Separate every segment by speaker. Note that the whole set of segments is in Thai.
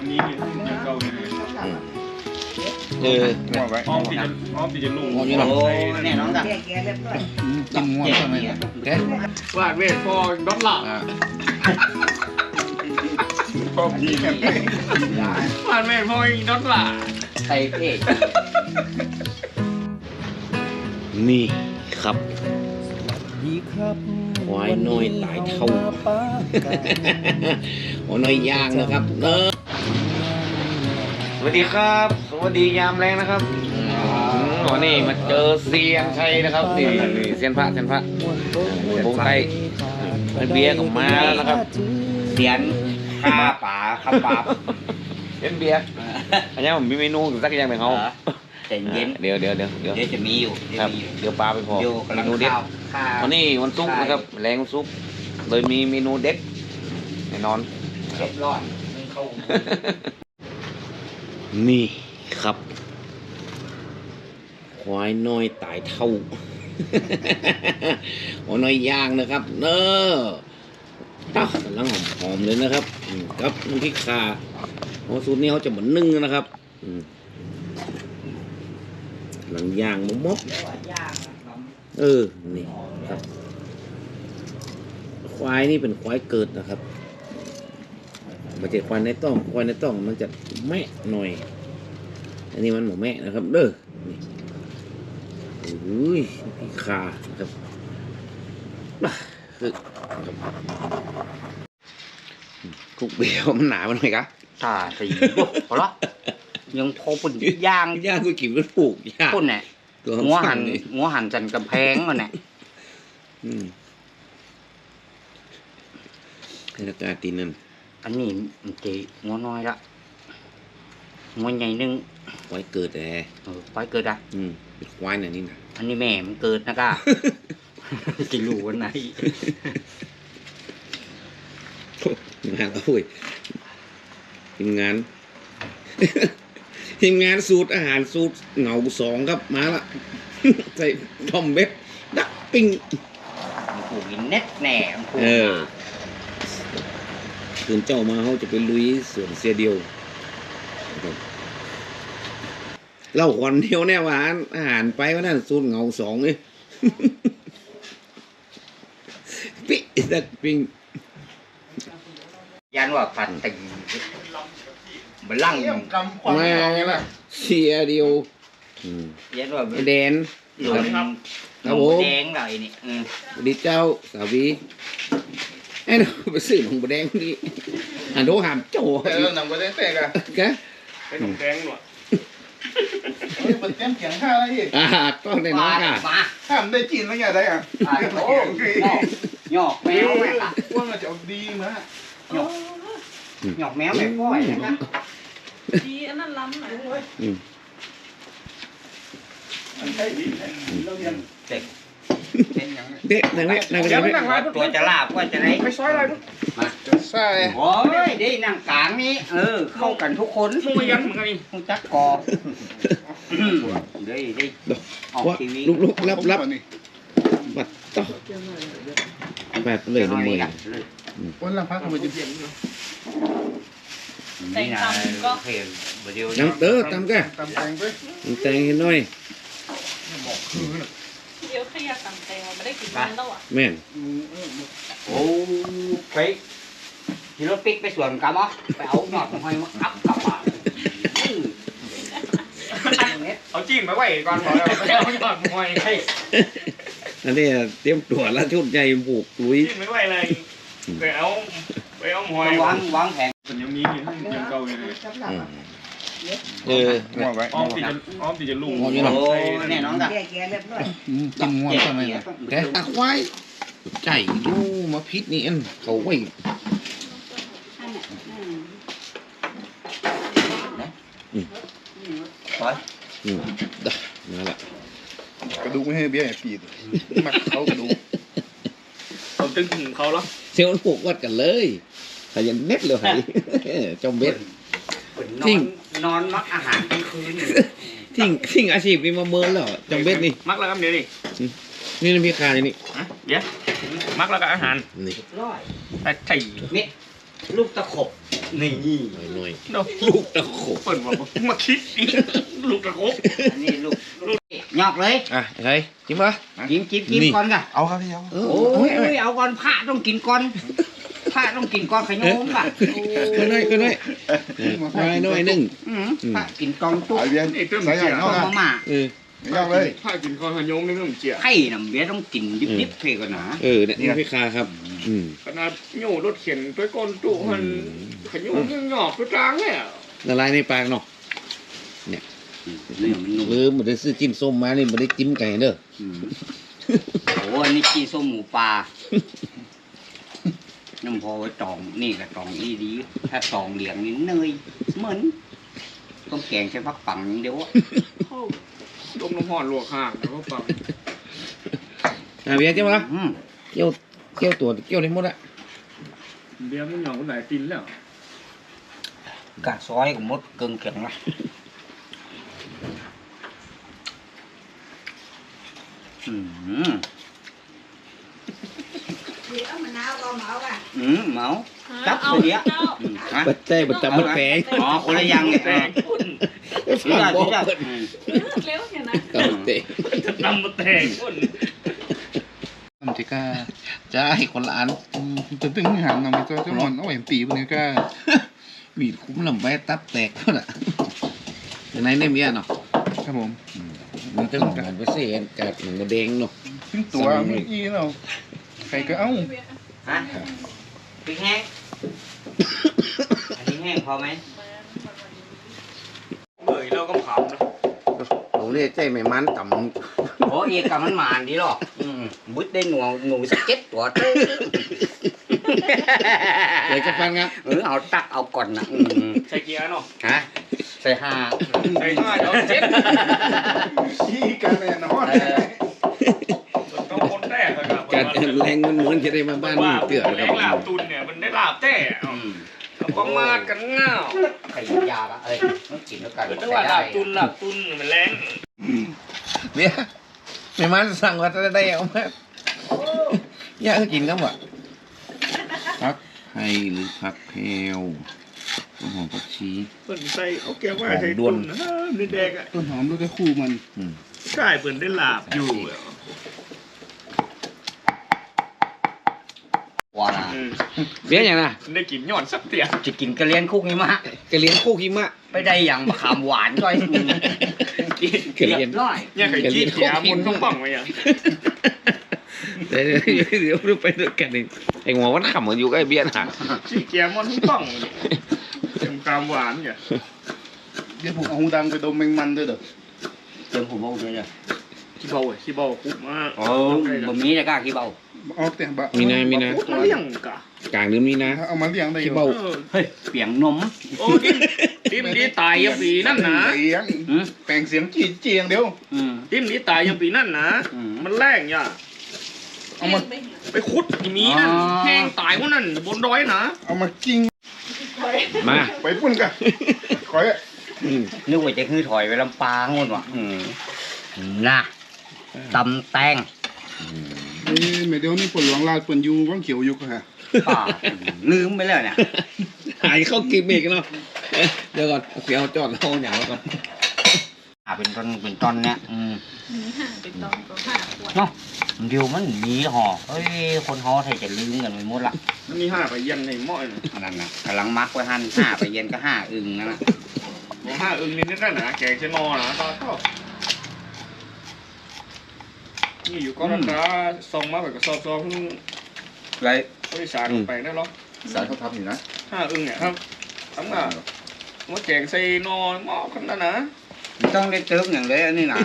Speaker 1: นี้เก่าเลยอ้อมตีจะลุง
Speaker 2: โอ้แน่นอนจ้ะกินง่วงใช่ไหมแกวาดเวทพอดอลลาร์
Speaker 1: พอดีกัน
Speaker 2: วาดเวทพอดอลลาร์ไทยเพศ
Speaker 3: นี่ครับควายน้อยตายเท่าควายน้อยย่างนะครับสวัสดีครับสวัสดียามแรงนะครับวันนี้มาเจอเซียนชัยนะครับนี่เซียนพระวงไทยเบียร์ออกมาแล้วนะครับ
Speaker 2: เสียนข้าป่าข้าป่า
Speaker 3: เป็นเบียร์อันนี้ผมมีเมนูสักอย่างหนึ่งเขา
Speaker 2: ใจเย็น
Speaker 3: เดี๋ยว
Speaker 2: จะมีอยู่
Speaker 3: ครับเดี๋ยวปลาไปพอเมนูเด็ดวันนี้วันศุกร์นะครับแรงวันศุกร์เลยมีเมนูเด็ดแน่นอน
Speaker 2: เรียบร้อย
Speaker 3: นี่ครับควายน้อยตายเท่าควายน้อยย่างนะครับเนอะกำลังหอมๆเลยนะครับครับน้ำพริกข่าสูตรนี้เขาจะเหมือนนึ่งนะครับหลังย่างมกนี่ครับควายนี่เป็นควายเกิดนะครับมันจะควายในต้องมันจะแม่หน่อยอันนี้มันหมูแม่นะครับเด้อนี่อุ้ยพี่ขาครับคุกเบี้ยวมันหนามันหน่อยครับ
Speaker 2: สีพอละยังพอปุ่นย่าง
Speaker 3: กูกินมันผูกย่าง
Speaker 2: ปุ่นเนี่ยงัวหันจันกำแพงมันเนี่ย
Speaker 3: ให้ราคาตีนั่น
Speaker 2: อันนี้มันจะงัวน้อยละงัวใหญ่นึง
Speaker 3: ควายเกิดแต่
Speaker 2: ควายเกิดอ่ะ
Speaker 3: เป็นควายไหนนี่นะ
Speaker 2: อันนี้แม่มันเกิดนะก้าจะรู้วันไหน
Speaker 3: งานโอ้ยทีมงานสูตรอาหารสูตรเหงา2ครับมาละใส่ทอมเบ็ดดักปิ้ง
Speaker 2: ผูกเน็ตแหน่
Speaker 3: คืนเจ้ามาเขาจะไปลุยสวนเสียเดียวเล่าคนเดียวแน่ว่าอาหารไปว่านั่นสูตรเหงา2เลยปิ๊กดักปิ้ง
Speaker 2: ยันว่าผัดติ่งบลัง
Speaker 3: มาเสียเดียว
Speaker 2: ยันว่า
Speaker 3: แดน
Speaker 2: ครับผมแดงเลยนี่
Speaker 3: ดีเจ้าสาวีไอ้เราไปซื้อหนมแดงนี่โดหามโจ้
Speaker 1: หนังแดงแตกอะ
Speaker 3: แก
Speaker 1: ไอ้หนมแดงหนวดมันเต็มเขียงข้าอะไรอีก
Speaker 3: ก็ได้น้องค่ะ
Speaker 1: ข้ามได้จีนแล้วไงได้อ่ะ
Speaker 2: โอ้หยอกแมวแม่ค่ะ
Speaker 1: ว่ามันจะดีมั้ย
Speaker 2: หยอกแมวแบบก้อยนะ
Speaker 4: ดีอันนั้นล้ำหน่อย
Speaker 1: อันใช่ดีเราเรียน
Speaker 2: เด็ก
Speaker 3: นั่ง
Speaker 2: ตัวจะลาบว่าจะไหน
Speaker 1: ไม่ซอยอะไร
Speaker 2: มา
Speaker 1: ใช่
Speaker 2: โอ้ยได้นั่งกลางนี้เข้ากันทุกคน
Speaker 1: มึงยันเหมือนกันนี่
Speaker 2: มึงจักกอได้
Speaker 3: ออกทีวีลุกรับบัดต่อแบบเลยน้ำมือ
Speaker 1: วันละพักมันจะเปลี่ยน
Speaker 4: แต่งตำก็
Speaker 3: น้ำตำกัน
Speaker 1: ตำแตงไป
Speaker 3: แตงให้หน่อย
Speaker 4: เดี๋ยวขยับตำแตงไม่ได้กินมันแล้วอ่ะ
Speaker 3: แม่น
Speaker 2: โอ้ไปที่รถปิ๊กไปสวนกันมั้งไปเอาหยอดหอยมาอัพกลับมา
Speaker 1: เอาจิ้มไปไว้ก่อนบอกแล้วไปเอาหยอดหอยให้
Speaker 3: อันนี้เตรียมตัวแล้วชุดใหญ่บุกลุย
Speaker 1: จิ้มไปไว้เลยไปเอาหอยว
Speaker 2: างแผน
Speaker 1: มันยังมีเก่าอยู่เลยอ้อมตีจะลุง
Speaker 2: โอ้แน่นอนจ้ะ
Speaker 3: กินง่วงใช่ไหมแกตะควายใจดูมาพิษนี่อันเขาไว้นั่นแหละ
Speaker 1: กระดูกไม่ให้เบี้ยปีดมัดเขากระดูกเขาตึงถึงเขาแล้ว
Speaker 3: เซลล์ผูกวัดกันเลยแต่ยังเน็ตเลยจมเบ็ด
Speaker 2: นอนมักอาหารกลางคืน
Speaker 3: ทิ้งอาชีพนี้มาเมินแล้วจมเบ็ดนี่
Speaker 1: มักแล้วครับเดี๋ยว
Speaker 3: นี่น้ำพริกคานี่
Speaker 1: เดี๋ยวมักแล้วก็อาหาร
Speaker 3: นี่
Speaker 2: ร้อย
Speaker 1: แต่ไข่
Speaker 2: นี่ลูกตะขบนี่
Speaker 3: หน่อยลูกตะโขบ
Speaker 1: เปิดมาคิดอีกลูกตะครบ
Speaker 2: อันนี้ลูกหยอกเลย
Speaker 3: อ่ะไงจิ้มปะ
Speaker 2: จิ้มก่อนกะ
Speaker 1: เอาครับพี่เอา
Speaker 2: โอ้ยเอาก่อนพระต้องกินก่อนพระต้องกินก่อนขยมกะ
Speaker 3: ก็น้อยน้อยนึง
Speaker 2: พระกินกองตุ๊ก
Speaker 1: ไอเบียนใส่ใหญ่
Speaker 2: ต้
Speaker 1: เนาะ
Speaker 2: มมาม่า
Speaker 1: ไม่ยากเลย
Speaker 5: ถ้ากินข้าวขยมนี่ต้องเจีย
Speaker 2: ไข่น้ำเบี้ยต้องกินดิบๆเท่ก่อนนะ
Speaker 3: เนี่ยนี่พี่คาครับ
Speaker 5: ขนาดโย่รถเข็นไปก้นตู้มันขยมยังหยอกไปกลางเนี่ย
Speaker 3: ละลายในปากเนาะ
Speaker 2: นี่มันนุ่ม
Speaker 3: ลืมบ่ได้ซื้อจิ้มส้มมานี่บ่ได้จิ้มไก่เด้อ
Speaker 2: โอ้อันนี้ขี้ส้มหมูปลาน้ำพอไว้ตองนี่กับตองอีดีถ้าตองเหลียงนี่เนยเหมือนต้องแกงใช้พักปังอย่างเดียว
Speaker 5: ต้มน้ำห่อนลวกห่างแล้วก็ปัง
Speaker 3: เบียร์จิ้มปะเกี่ยวตัวเกี่ยวได้หมดอะ
Speaker 5: เบี้ยมันหยอกคนไหนกินแล้ว
Speaker 2: กะซอยกับมดเกิงแข็งละเมาจับคนเดียว
Speaker 3: บัดใจบัดจับบัดแปง
Speaker 2: อ๋อคนละยังเนี่ย
Speaker 3: ฝากบอกเปิด
Speaker 4: เร็วอย่างนะ
Speaker 3: กับเตะ
Speaker 5: นำมาแทงคน
Speaker 1: ทำจิก้าจะให้คนละอันตึงหันนำไปเจ้าหมอนเอาแหวนตีบนนี้ก็
Speaker 3: วีดคุ้มลำไว้ตับแตกเท่าน่ะอยู่ในเนี่ยมีอ่ะเนาะ
Speaker 1: ครับผม
Speaker 3: มันจะเหมือนไปเสียกัดเหมือนกระเด้งเนาะ
Speaker 1: ขึ้นตัวไม่อีเนาะใครก็เอ้า
Speaker 2: ฮะพริกแห้งอันนี้แห้งพอไหม
Speaker 5: เบื่อเราก็ขำนะ
Speaker 3: ผมเนี่ยใจไม่มันต่ำ
Speaker 2: โอ้เอกกับมันหมานดีหรอกบุดได้หนูสัก7 ตัว
Speaker 3: เลยจะฟังครับ
Speaker 2: เอาตักเอาก่อนนะ
Speaker 5: ใส่เกียร์เนาะ
Speaker 2: ฮะใส่ห้า
Speaker 5: ใส่ง่ายเนาะเจ็ด
Speaker 1: ขี้กันแน่นอน
Speaker 5: ต้องคนแรกเลยครับ
Speaker 3: การแรงมันเหมือนจะได้มาบ้านนี่เตือน
Speaker 5: แร
Speaker 3: ครั
Speaker 5: งลา
Speaker 3: บบ
Speaker 5: ตุนเนี่ยมันได้ลาบแต้ประมาทกันง่าว
Speaker 2: ไข่ยาละต้องกินแล้วกัน
Speaker 5: เป็นว่าลาบตุนมันแรง
Speaker 3: เนี่ยไม่มันสั่งว่าจะได้เอามาอยากกินก็บ่พักไทยหรือพักเพลวหอมผักชี
Speaker 5: เปิดใส่เอาแก้วว่าใส่ตุนนะนี่แดกอ่ะ
Speaker 1: ต้นหอมด้วยก็คู่มัน
Speaker 5: ใช่เปิดได้ลาบอยู่
Speaker 2: ว่านะ
Speaker 3: เบี้ยอย่างน่ะ
Speaker 5: ได้กินยอดสักเตีย
Speaker 2: จะกินกระเลียนคุกนี่มะ
Speaker 3: กระเลี้ยงคู่กิมะ
Speaker 2: ไปได้อย่างมะขามหวานก้อย
Speaker 3: กระเลี้ยง
Speaker 2: ร้อย
Speaker 5: เนี่ยเคยขี้เกียร์มุนต้องปังไว้ยัง
Speaker 3: เดี๋ยวไปด้วยกันเองไอ้หัวมันขำเหมือนอยู่ใกล้เบี้ยน่ะ
Speaker 5: ขี้เกียร์มุนต้องปังเต็มกามหวานเนี่ย
Speaker 1: เดี๋ยวผมเอาหูดังไปดมแมงมันด้วยเด้อ
Speaker 2: เติมผมเอาเลยเนี่ย
Speaker 5: ขี้เบาขี้เบาคุกมาก
Speaker 2: โอ้บะหมี่จะกล้าขี้เบา
Speaker 1: เอาแต่บะ
Speaker 3: มีนา
Speaker 5: มาเลี้ยงกะ
Speaker 3: กลางเดือนมีนา
Speaker 1: เอามาเลี้ยงได้
Speaker 3: ขี้เบา
Speaker 2: เฮ้ยเปียงนม
Speaker 5: โอ้ติ้มนี้ตายยังปีนั่นนะ
Speaker 1: เสียงแปลงเสียงจีเจียงเดียว
Speaker 5: ติ้มนี้ตายยังปีนั่นนะมันแรงย่ะ
Speaker 1: เอามา
Speaker 5: ไปขุดอีมีนั่นแห้งตายพวกนั้นบนดอยนะ
Speaker 1: เอามากิ้ง
Speaker 3: มา
Speaker 1: ไปปุ่นกันขอย
Speaker 2: นึกว่าจะคือถอยไปลำปางหมดวะน่ะตำแตง
Speaker 1: นี่แม่เดี๋ยวนี่ปวดหลังลาดปวดยูว่างเขียวอยู่ก็ฮะ
Speaker 2: ป่าลืมไปแล้วเนี่ย
Speaker 3: หายเข้ากิมอีกเนาะเดี๋ยวก่อนเสียวจอดเอาอย่างแล้วก่อน
Speaker 2: เป็นตอนเนี่ย
Speaker 4: มีห่างไปตอนตัว5 ขวด
Speaker 2: เนาะเดี๋ยวมันมีห่อเฮ้ยคนห่อไทยจะลืมกันไปหมดละ
Speaker 5: มันมี5ไปเย็นในหม้อนะ
Speaker 2: อันนั้นนะกำลังมักไว้หั่น5 ไปเย็นก็5 อึ่งนั่นนะ
Speaker 5: 5อึ่งนิดนั่นนะแกงเชนอนะตอนชอบนี่อยู่ก้อนตาซองมาแบบกับซอง
Speaker 2: ไร
Speaker 5: บริษัทไปได้หรอ
Speaker 1: สายเขาทำอยู่นะ
Speaker 5: 5อึ่งเนี่ยครับทั้งอ่ะมาแกงใส่นอหม้อกันนะ
Speaker 2: ต้องได้เติมอย่างเลยอันนี้นะ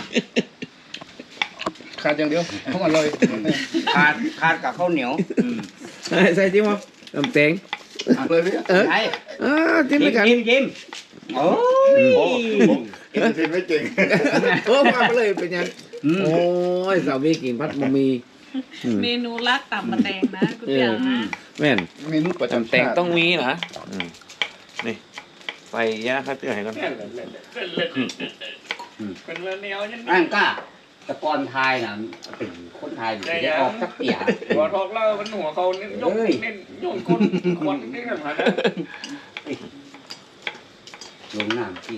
Speaker 1: ขาดอย่างเดียวเข้ามาเลย
Speaker 2: ขาดกับข้าวเหนียว
Speaker 3: ใส่จิ้มมั้งตำแตง
Speaker 1: เลยพี่
Speaker 2: ใช่
Speaker 3: จิ้มด้วยกัน
Speaker 2: ยิ้มโอ้ย
Speaker 1: เห็นไม่เก่ง
Speaker 3: มาไปเลยเป็นยังโอ้ยสาวมีกินพัดบะหมี่
Speaker 4: เมนูลักต่ำมาแตงนะกูเตียงนะ
Speaker 3: แม่น
Speaker 1: เมนูประจำ
Speaker 3: ตำแตงต้องมีนะนี่ใส่ยาฆ่าเชื้อให้ก่อน
Speaker 5: เป็นแนวยัง
Speaker 2: อันก้าตะกอนไทยนะเป็นคนไทยได้ออกสักเปีย
Speaker 5: หัวทอกเล่ามันหัวเขาเน้นยกเน้นโยนคนควันนี่กันมานะ
Speaker 2: ไอ้ลงน้ำที่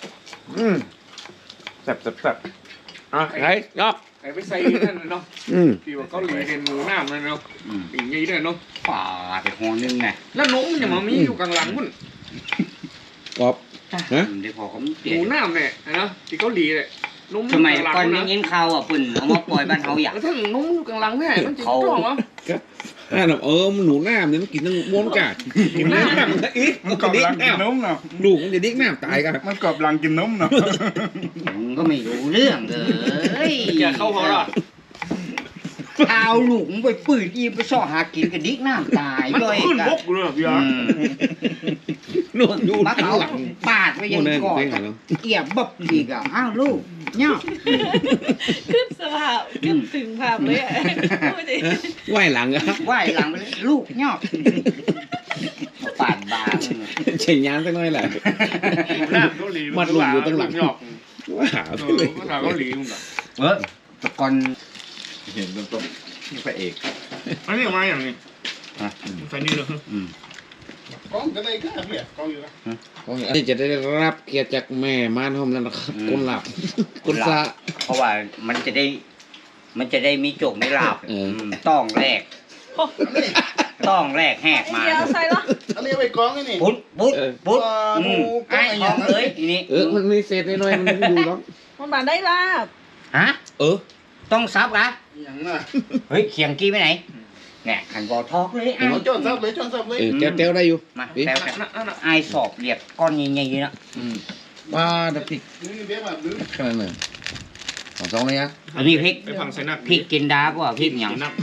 Speaker 3: แซ่บอ่ะไงยอก
Speaker 5: ไอ้ไปใส่นั่นเนาะ ที่ว่าเกาหลีเห็นหนูน้ำเลยเนาะอย่างงี้ด้วยเนาะ
Speaker 2: ป่าไปหอนึงไง
Speaker 5: แล้วนมมันยังมามีอยู่กลางหลังพุ่น
Speaker 3: กรอบฮะ
Speaker 2: เดี๋ยวพอเขา
Speaker 5: ห
Speaker 2: เปลี่ย
Speaker 5: นู
Speaker 2: น
Speaker 5: น้ำเนี่ยนะที่เกาหลีเนี่ยนม
Speaker 2: สมัย
Speaker 5: กลางห
Speaker 2: ก่
Speaker 5: ลั
Speaker 2: อน
Speaker 5: ง
Speaker 2: ยัง
Speaker 5: นะ
Speaker 2: ยินข่าวอ่ะปุ่นเอามาปล่อยบ้านเขาอยาก
Speaker 5: แล้วถ้านมอยู่กลางหลังเนี่ยมันจะจ้องเหรอ
Speaker 3: มันหนูน้ำเนี่ยมันกินทั้งม้วนกาดกินน้ำอีก
Speaker 1: มันก
Speaker 3: จะ
Speaker 1: อบ
Speaker 3: ดิ้
Speaker 1: หลั
Speaker 3: ง
Speaker 1: งกิน
Speaker 3: น้
Speaker 1: นมเนาะ
Speaker 3: ำลูกมันจะดิ้งน้ำตายกัน
Speaker 1: มันกอบหลังกินนมเนาะ
Speaker 2: มึงก็ไม่รู้เรื่องเลย
Speaker 5: แกเข้าเขาละ
Speaker 2: เอาลูกมึงไปปืนอีไปซ่อหากินกับดิกน้ำตาย
Speaker 5: มัน
Speaker 2: ด้วย
Speaker 5: ขึ้นบกเลยพี่อา
Speaker 3: นวดดู
Speaker 2: มา
Speaker 3: ทั้ง
Speaker 2: เขา
Speaker 3: หลัง
Speaker 2: ปาดไว้ยัง
Speaker 3: โมเดิร์น
Speaker 2: ก่อน
Speaker 3: เพลงอะไรเนาะ
Speaker 2: เอียบบับอีกอ่ะอ้าวลูกเนี่ย
Speaker 4: ขึ้นสภาพขึ้นถึงภาพเลยอ่ะพูดดิ
Speaker 3: ไหวหลังอะ
Speaker 2: ไหวหลังไปเลยลูกเนี่ยมาปาดบาง
Speaker 3: เฉียงยานสักหน่อยแหละ
Speaker 5: น้ำเกาหลี
Speaker 3: มัดลูกอยู่ตั้งหลัง
Speaker 5: หยอก
Speaker 3: ว่าหาไปเลย
Speaker 5: ภาษาเกาหลีมึงแบบ
Speaker 2: แต่ก่อน
Speaker 1: เห็นต้นนี่พระเอก
Speaker 5: อันนี้มาอย่างนี้ใส่นี่เลย
Speaker 1: กล้องก็ได้ก็เนี่ยกล้องอยู่นะ
Speaker 3: อันนี้จะได้รับเกียรติจากแม่ม่านหอมแล้วนะครับคนหลับคนซะ
Speaker 2: เพราะว่ามันจะได้มีโจกมีลาบ ต้องแรกแหกมา
Speaker 4: เดี๋ยวใส่ละ
Speaker 1: อันนี้ไปกล้องนี่
Speaker 2: ปุ๊บไอ้ของเอ้ยทีนี้
Speaker 3: มันมีเศษน้อยๆมันไม่ดูหรอก
Speaker 4: มันบานได้ลาบ
Speaker 2: ฮะ
Speaker 3: เออ
Speaker 2: ต้องซับนะ
Speaker 1: อย่างน่ะ
Speaker 2: เฮ้ยเขียงกี้ไปไหนเนี่ยขันบอทอกเลยไอ้
Speaker 1: จนซับเลยจนซับเลย
Speaker 3: เต้วได้อยู่
Speaker 2: มาแซวไอ้สอบเรียกก้อนใหญ่ๆนะ
Speaker 3: ว่าดับพริก
Speaker 1: นี่เบี้ยแบบนึง
Speaker 3: ขนาดไหนสองเลยนะ
Speaker 2: อันนี้พริก
Speaker 5: ไปพังใส่นัก
Speaker 2: พริกกินดาก็ว่าพริกหยัง
Speaker 5: นักนะ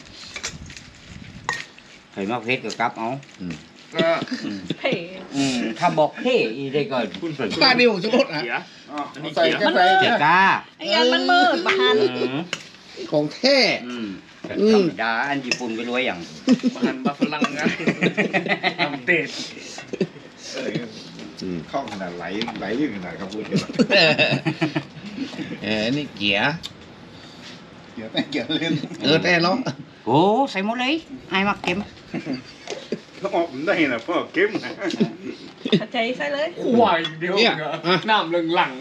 Speaker 2: เห็นว่าเพชรกับกับเอา
Speaker 5: ก็
Speaker 4: เพ่
Speaker 2: ถ้าบอกเฮ้อีได้ก่อน
Speaker 5: คุณใส่
Speaker 3: ป้าดิวจะลดอ่ะ
Speaker 5: เสีย
Speaker 1: ใส่แค่ใส่
Speaker 2: เจ้าก้า
Speaker 4: ไอ้ยันมันมืดบาน
Speaker 3: ของแท้
Speaker 2: ธรรมดาอันญี่ปุ่นไปรวยอย่าง
Speaker 5: หันบาฝรั่งนะทำเตะ
Speaker 1: เข้าขนาดไหลลื่นขนาดครับพูด
Speaker 3: นี่เกียร์
Speaker 1: เกี่ยวแต่เกี่ยวเล่น
Speaker 3: แต่เนาะ
Speaker 2: โอ้ใส่หมดเลยไอ้มักเก็ม
Speaker 1: ถ้าออกได้นะพ่อเก็บนะ
Speaker 4: ขัดใจใส่เลย
Speaker 5: ควายเดียวน้ำหลัง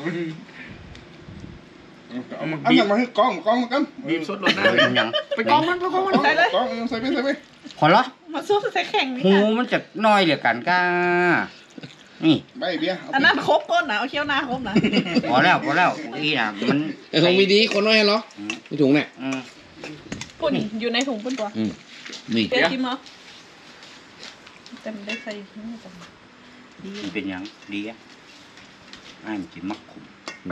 Speaker 5: เอามา
Speaker 1: อัน
Speaker 5: บี
Speaker 1: นั้
Speaker 5: บ
Speaker 1: นมาให้กล้องกัน
Speaker 5: บีบสดรถหน้า
Speaker 2: เป็นหยัง
Speaker 5: ไปกองมัน
Speaker 4: ใส่เลย
Speaker 1: กล้องใส่ไป
Speaker 2: ขอละ
Speaker 4: มาสู้ใส่แข่งนี่
Speaker 2: หู
Speaker 4: ค่ะ
Speaker 2: มันจะน้อยเหลือกันก้านี่
Speaker 1: ใบเบี้ย
Speaker 4: อันนั้นครบก้นนะเอาเคี้ยวหน้าครบนะ
Speaker 2: พอแล้วนี่นะมัน
Speaker 3: ของมีดีคนน้อยเหรอไม่ถุงเนี่ย
Speaker 4: ปุ่นอยู่ในถุงปุ่นตัว
Speaker 3: นี่
Speaker 4: เดี๋ยวกินมั้งแต่มันได้ใส่นี่ก่อนดี
Speaker 2: มันเป็นหยังดีอ่ะไอ้มันกินมักขุม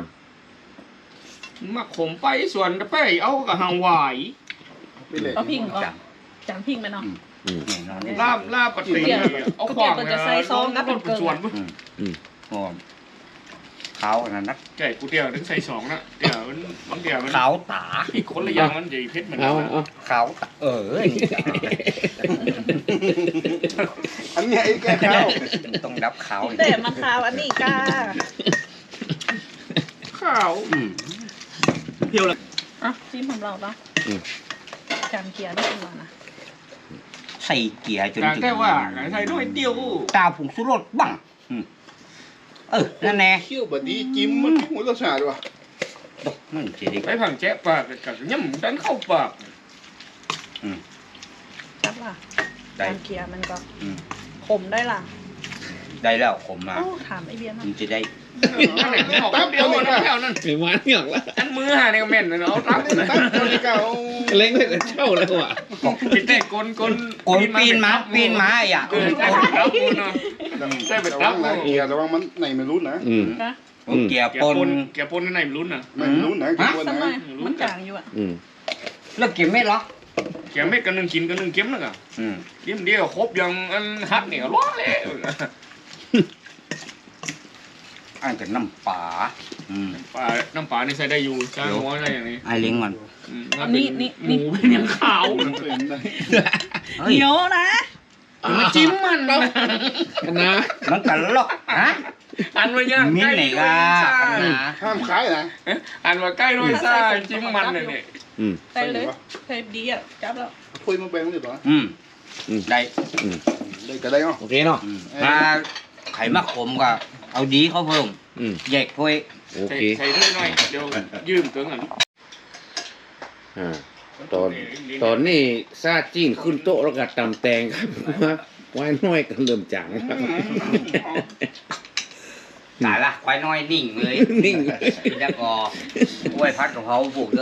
Speaker 5: มาขมไปส่วนไปเอากับหางหวาย
Speaker 1: ไปเลย
Speaker 4: เอาพิงก็
Speaker 2: จัง
Speaker 4: จานพิงไหมเนาะ
Speaker 2: แน่นอนเลย
Speaker 5: ลาบปฏิเอาขวางส่วน
Speaker 2: หอมขาวอันนั้นนัก
Speaker 5: ใช่กูเดียวถึงใส่สองนะเดี๋ยวมันเดี๋ยวมัน
Speaker 2: ขาวตา
Speaker 5: อีกคนละอย่างมันใหญ่เพชรเหมือนกั
Speaker 3: เอา
Speaker 5: น
Speaker 3: เอา
Speaker 2: ขาวตา
Speaker 1: อันนี้ไอ้แก่ข้าว
Speaker 2: ต้องดับขาว
Speaker 4: แต่มันขาวอันนี้ก้า
Speaker 5: ข้าว
Speaker 4: เพียวเลยอ่ะจิ้มของเราปะจานเกียร์นี่เป็นมานะ
Speaker 2: ใส่เกียร์จน
Speaker 5: แต่แค่ว่าใส่ด้วยเดียว
Speaker 2: ตาผงสุรสบังนั่นแน่
Speaker 1: เขี้ยวบดีจิ้มมันหัวรสชาติว่ะ
Speaker 2: มันจะได้
Speaker 5: ไปผังแจ๊ปากกับย่ำดันเข้าปาก
Speaker 4: จับล่ะ
Speaker 2: ได้
Speaker 4: จานเกียร์มันก็ขมได้ล่ะ
Speaker 2: ได้แล้วผมมา
Speaker 4: โอ้ถามไอเบียร์นะ
Speaker 2: มันจะได้
Speaker 5: นั่นแหละออกเดียวนั่นแถวนั้น
Speaker 3: ไม่มาเนี่ยหรอกละ
Speaker 5: อันมือหาเนี่ยก็แม่นเลยเนาะรับ
Speaker 1: ตั้งตัวนี้ก็เอา
Speaker 3: เล้งเลยแต่เช่าเลยว่ะ
Speaker 5: ปิดแต่กล
Speaker 2: ปีนมาอย่า
Speaker 5: ใช่เป็น
Speaker 1: ระ
Speaker 5: รั
Speaker 1: วั
Speaker 5: บ
Speaker 1: งนะเกียร์ระวังมันไหนไม่รู้นะ
Speaker 4: นะ
Speaker 2: เกียร์
Speaker 5: แก
Speaker 2: ป
Speaker 5: ป
Speaker 2: น
Speaker 5: นแกปนในรุ่นน่ะ
Speaker 1: ไม่รู้นะกี่คน
Speaker 4: ส
Speaker 1: นะ
Speaker 4: มัยมันจางอยู่อ่ะ
Speaker 2: แล้วเกียร์ไม่หรอ
Speaker 5: แกเม็ดกันนึงกินกันนึงเข็มนึงอ่ะเข็มเดียวครบยังอันฮักเนี่ยร้อนเลย
Speaker 2: อันกับน้ำปลา
Speaker 5: น้ำปลานี่ใส่ได้อยู่จ้างหัวได้อย่างนี้
Speaker 2: ไอ้เลี้ยงมัน
Speaker 5: หมูเป็นยังขาว
Speaker 1: มันเป็นได้
Speaker 4: เหนียวนะ
Speaker 5: มาจิ้มมันนะ
Speaker 3: นะ
Speaker 2: มันกันลอกฮะ
Speaker 5: อันว่าย่าง
Speaker 2: มิ้นไหนกะ
Speaker 1: ห้ามขายนะ
Speaker 5: อันว่าใกล้ด้วยซ่าจิ้มมันเนี่ย
Speaker 4: ใส่เลยใส่ดีอ่ะจับแล้ว
Speaker 1: คุยมาแบ่งเลยป่ะ
Speaker 2: ได้
Speaker 1: ได้ก็ได้เนาะ
Speaker 3: โอเคเนาะ
Speaker 2: มาไข่มะขมก็เอาเอาดีเขาเพิ่ม
Speaker 3: อืม
Speaker 2: แยกถ้วย
Speaker 3: โอ
Speaker 5: ใส่
Speaker 3: เค
Speaker 5: ใส่ด้วยหน่อยเดี๋ยวยืมตัวเงิน
Speaker 3: อ่าตอนนี้ซาจีนขึ้นโต๊ะแล้วก็ตำแตงครับ ว่าไว้น้อยก็เริ่มจางครับ
Speaker 2: ตายละควายน้อยนิ่งเลย
Speaker 3: นิ่ง
Speaker 2: แล้วก็กล้วยพัดกับเขาปลูกเยอะ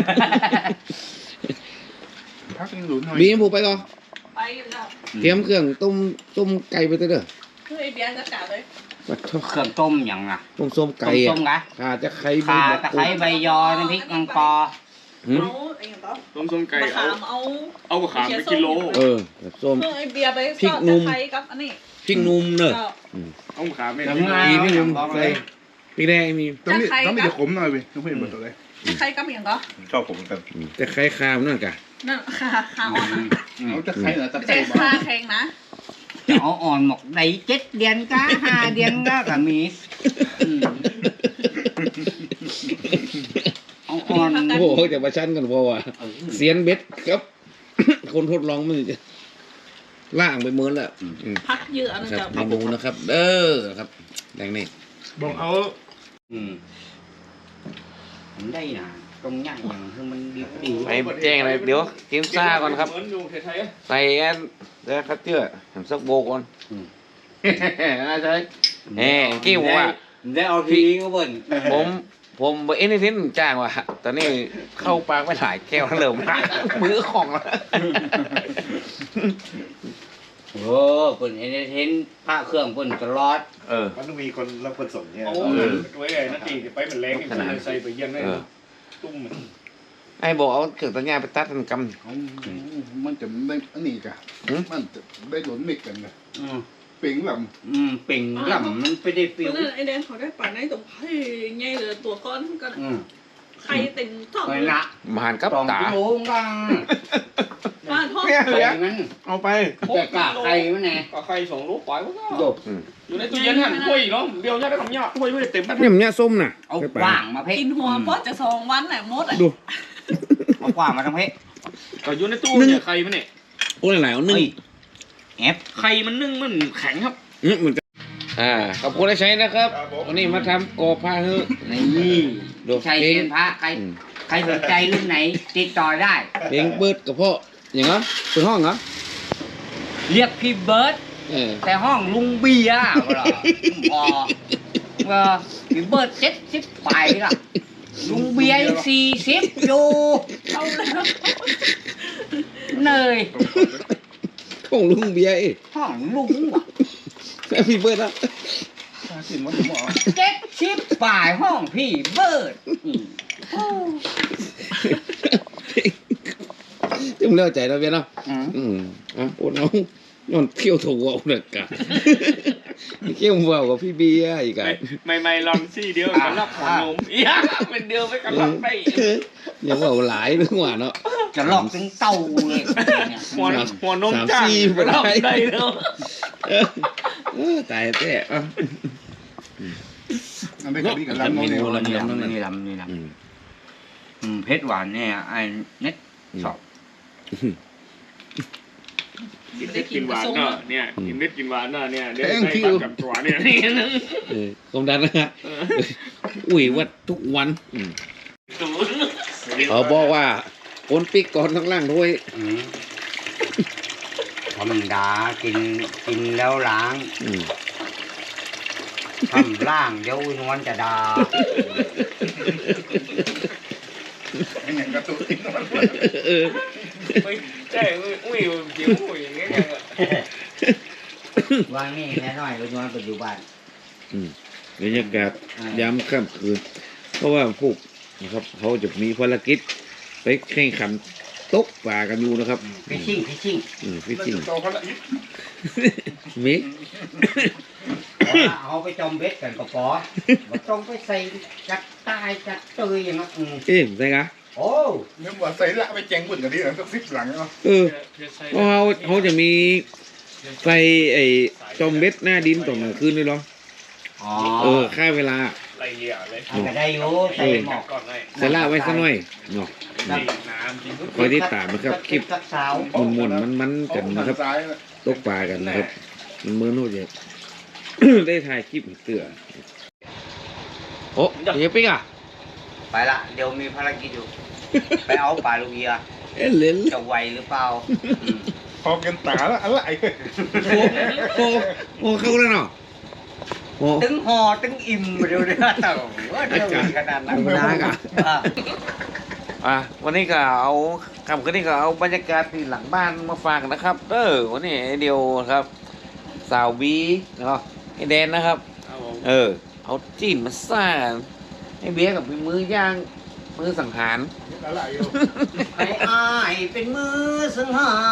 Speaker 1: พักยังหลุนหน่อย
Speaker 3: บีมผูไปก่อน
Speaker 4: ไปอยู่แล้ว
Speaker 3: เตรียมเครื่องต้มไก่ไปเถอะเด้อ
Speaker 4: คือไอเบียร์จะกาเลย
Speaker 3: ปัดโทษ
Speaker 2: เครื่องต้มอย่างน่ะ
Speaker 3: ต้มส้มไก่
Speaker 2: ต้
Speaker 3: อ่ะ
Speaker 2: มกะ
Speaker 3: ขาจะไข่
Speaker 2: ข่า
Speaker 3: ใบ
Speaker 2: ตะไคร้ใบยอน้ำพริกมังปอ
Speaker 3: หืม
Speaker 4: เอาไอ้อย่างต่อ
Speaker 5: ต้มไก่
Speaker 4: มะ
Speaker 5: เอา
Speaker 4: ขามเอา
Speaker 5: เอามะขามไปกิโล
Speaker 3: เออแบบส้ม
Speaker 4: คือไอเบียร์ไป
Speaker 3: พริก
Speaker 4: ทอด
Speaker 3: นุ่
Speaker 4: ตะ
Speaker 3: ม
Speaker 4: ไคร้กับอันนี้
Speaker 3: พริกนุ่มเนอะ
Speaker 4: เจ้า
Speaker 5: เอามะขามไป
Speaker 2: ยัง
Speaker 5: กิโล
Speaker 2: ไง
Speaker 3: พี่นุ่ม
Speaker 2: บอก
Speaker 3: ใส่
Speaker 2: เลย
Speaker 3: พริกแดงมี
Speaker 1: ต้องมีจะขมหน่อยเว้ยต้องเพิ่มหมดตัวเลย
Speaker 4: ตะไคร้กับอย่างต่อ
Speaker 6: ชอบผมเหมือนกัน
Speaker 3: แต่ไข่คามนั่นกะ
Speaker 4: นั่นค่ะขาอ่อนนะ
Speaker 1: เอาจะใครเหรอจะ
Speaker 4: ไม่
Speaker 1: ใคร
Speaker 4: ใช่
Speaker 1: บ้า
Speaker 4: ขาแข็งนะ
Speaker 2: จะเอาอ่อนหมกได้7 เดือนก็5 เดือนก็มีเอาอ่อน
Speaker 3: โอ้โหจะมาชั้นกันเพราะว่าเสียนเบ็ดครับ คนทดลองมันจะล่างไปเมินแล้วอืม
Speaker 4: พักเยอะนะ
Speaker 3: ครับ
Speaker 4: เจ้า
Speaker 3: เมนูนะครับ เด้อครับแดงนี่
Speaker 1: บอกเอา
Speaker 2: ผมได้นะตรงย่างอย่างคือมันดี
Speaker 3: ไปแจ้งเลยเดี๋ยวกินซ่าก่อนครับ
Speaker 5: เหมือนอยู่ไทย
Speaker 3: ใส่แอนเดี๋ยวครับเจื้อทำซักโบก่อนน่าใช่แหมกี้บอกว่า
Speaker 2: ได้เอาทีก็เบิ่น
Speaker 3: ผมเอ็นนิทินจ้างว่ะตอนนี้เข้าปากไม่ถ่ายแก้วเริ่มหักมือของแล้ว
Speaker 2: โอ้เพิ่นเห็นพระเครื่องเพิ่นตลอด
Speaker 6: มันต้องมีคนรับคนส่งเนี่ย
Speaker 5: โอ้ไว้ไอ้นาทีไปเป็นแรงใส่ไปเย็นได้ตุ้ม
Speaker 3: ไอ้บอกเอาเครื่องตัดหญ้าไปตัดกันก
Speaker 1: มันจะได้อันนี้กะมันจะได้หลุนมิกกันนะ
Speaker 2: อืม
Speaker 1: เป่งหล่
Speaker 2: เป่งลำมันไปได้ฟิ
Speaker 4: เพ
Speaker 2: ว
Speaker 4: ราะนั้นไอแดงเขาได้ปั่นในตรงไข่ใหญ่เลยตัวก้อนก็ไข่เต็มท้อง
Speaker 2: ไป
Speaker 4: เลย
Speaker 2: ละ
Speaker 3: ำมหันกับ
Speaker 2: 2
Speaker 3: ตา
Speaker 2: กิโลกัง
Speaker 4: บ้านท้อง
Speaker 3: เนี่ย
Speaker 2: ไข่มัน
Speaker 3: เอาไป
Speaker 2: แต่กะไข่มันแน่
Speaker 5: ก็ใคร2 โลปล่อยมันก็
Speaker 2: จบ
Speaker 5: อยู่ในตู้เย็นหั่นถ้วยเนาะเดี๋ยวจะได้คำยากถ้วยไม่ได้เต็ม
Speaker 3: เนี่ยมันเนี่ยส้มน่ะ
Speaker 2: เอากว่างมาเพ่
Speaker 4: กินหัวเพราะจะ2 วันแหละมดอ่ะ
Speaker 3: ดู
Speaker 2: เอากว่างมาทำเพ่
Speaker 5: ก็อยู่ในตู้เนี่ยไข่มันเนี่ย
Speaker 3: โอ้ยหลายเอานึ่ง
Speaker 2: แอบ
Speaker 5: ไข่มันนึ่งมันแข็งครับ
Speaker 3: เหมือนกันขอบคุณที่ใช้นะครับ วันนี้มาทำกอผ้าเฮ้อ
Speaker 2: นี่
Speaker 3: ดู
Speaker 2: ใช้
Speaker 3: เพล
Speaker 2: เที
Speaker 3: ง
Speaker 2: ยนพระใครสนใจรุ่นไหน ติดต่อได้
Speaker 3: เพลงเบิดกับพ่ออย่างเหรอเป็นห้องเหรอ
Speaker 2: เรียกพี่เบิร์ด แต่ห้องลุงเบียร์ก็ล่ะพอพี่เบิร์ด70 ไปล่ะลุงเบียร์ยัง40อยู่
Speaker 4: เอาแล้ว
Speaker 2: เนย
Speaker 3: ของลุงเบียร์เอ้ย
Speaker 2: ห้องลุงว่ะ
Speaker 3: แม่พี่เบิร์ดนะ
Speaker 1: ำสินว่าหมอ
Speaker 2: 70 ป่ายห้องพี่เบิร์ด
Speaker 3: จึงเล่าใจเราเบียร์เนาะโอ้น้องย้อนเที่ยวถูกเอาเด็กกะเที่ยววัวกับพี่เบียร์อีกอะ
Speaker 5: ไม่ลองซี่เดียวกันรับหัวนมอีกเป็นเดียวไปกันรับไป
Speaker 3: ยังว่าหลายหรือว่าเนาะ
Speaker 2: จะหลอกถึงเต้าเลยเนี่ย
Speaker 5: หัวนมจ้างรับได้เนาะ
Speaker 3: ตายแต่
Speaker 1: อันนี้ก็มีกันลำน้องเนี่ย
Speaker 2: นี่ลำเพชรหวานเนี่ยไอ้เน็ตสอบ
Speaker 5: กินเม็ดกินหวานเนาะเนี่ยกินเม็ดกินหวานเนาะเนี่ยเดี๋ยวใส่ปากกับตัวเนี่ยนี่นึง
Speaker 3: ความดันนะฮะอุ้ยวัดทุกวันเขาบอกว่าคนปิกก่อนทั้งล่างด้วย
Speaker 2: ธรรมดากินแล้วล้างทำล่างเดี๋ยวนวลจะด่า
Speaker 1: อย่างกระตุ้น
Speaker 5: ไม่ใช่อุ้ยจิ๋วอย่างเงี้ย
Speaker 2: ว่านี่แน่น้อยนวลปัจจุบัน
Speaker 3: บรรยากาศยามค่ำคืนเพราะว่าพวกนะครับเขาจะมีภารกิจไปแข่งขันตกปลากันอยู่นะครับ
Speaker 2: ฟิชชิ่ง
Speaker 3: ฟิชชิ่ง
Speaker 1: โตเขาละ
Speaker 3: มิ
Speaker 2: เอาไปจอมเบ็ดกันก็พอมาต้องไปใส่จัดตายจัดเตยอย่างนั้น
Speaker 3: ใช่กะ
Speaker 2: โอ้
Speaker 1: เนื้อวัวใส่ละไปแจงบุญกันดีนะสัก10 หลังเนาะ
Speaker 3: เพราะเขาจะมีใส่ไอ้จอมเบ็ดหน้าดินตอนกลางคืนด้วยเหรอค่าเวลา
Speaker 5: ไรเลี่ยเลย
Speaker 2: ก็ได้อยู่ใส่หมอก
Speaker 5: ก่อนเลย
Speaker 3: ใส่ละไว้สักหน่อยเนาะ
Speaker 5: น้ำกิน
Speaker 3: คอยที่ตามนะครับคลิป
Speaker 2: สักสาว
Speaker 3: มันกันนะครับ
Speaker 1: ซ้าย
Speaker 3: ตกปลากันนะครับ มันเหมือนโน่นเดียวได้ถ่ายคลิปเตือโอ้เฮียปิ๊กอ่ะ
Speaker 2: ไปละเดี๋ยวมีภารกิจอยู่ ไปเอาปลาลูกเบียร์
Speaker 3: เอ้ยเล่น
Speaker 2: จะไหวหรือเปล่าอืม
Speaker 6: พอกันตาแล้วอะไร
Speaker 3: โอ้เข้าแล้วเนาะโอ้
Speaker 2: ตึงห่อตึงอิ่มเดี๋ยวเดี๋ยวเดี๋ยวมีขนาดนั้น
Speaker 3: ธรรมดากะ วันนี้ก็เอาคำคืนนี้ก็เอาบรรยากาศที่หลังบ้านมาฝากนะครับวันนี้ไอเดียวครับสาวบีเนาะไอแดนนะครับ เอาจีนมาซ่าไอเบียร์กับมือย่างมือสังหาร
Speaker 6: อะไรอยู่
Speaker 2: ให้อายเป็นมือสังหาร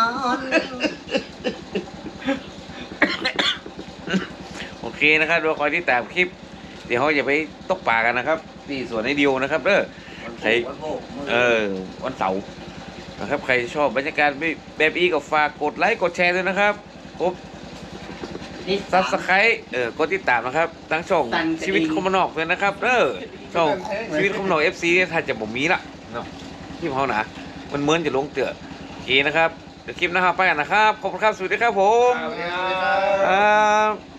Speaker 3: โอเคนะครับดูคอยที่ตามคลิป เดี๋ยวเขาจะไปตกปลากันนะครับที่สวนไอเดียวนะครับใครวันเสาร์นะครับใครชอบบรรยากาศแบบนี้ก็ฝากกดไลค์กดแชร์ด้วยนะครับผมซับสไครต์กดติดตามนะครับทั้งช่องชีวิตคอมมานอกเลยนะครับช่องชีวิตคอมมานอก FC เนี่ยถ้าจะผมมีละเนาะที่เขาหนามันเหมือนจะลงเตือโอเคนะครับเดี๋ยวคลิปหนะครับไปกันนะครับขอบคุณครับสวัสดีครับผม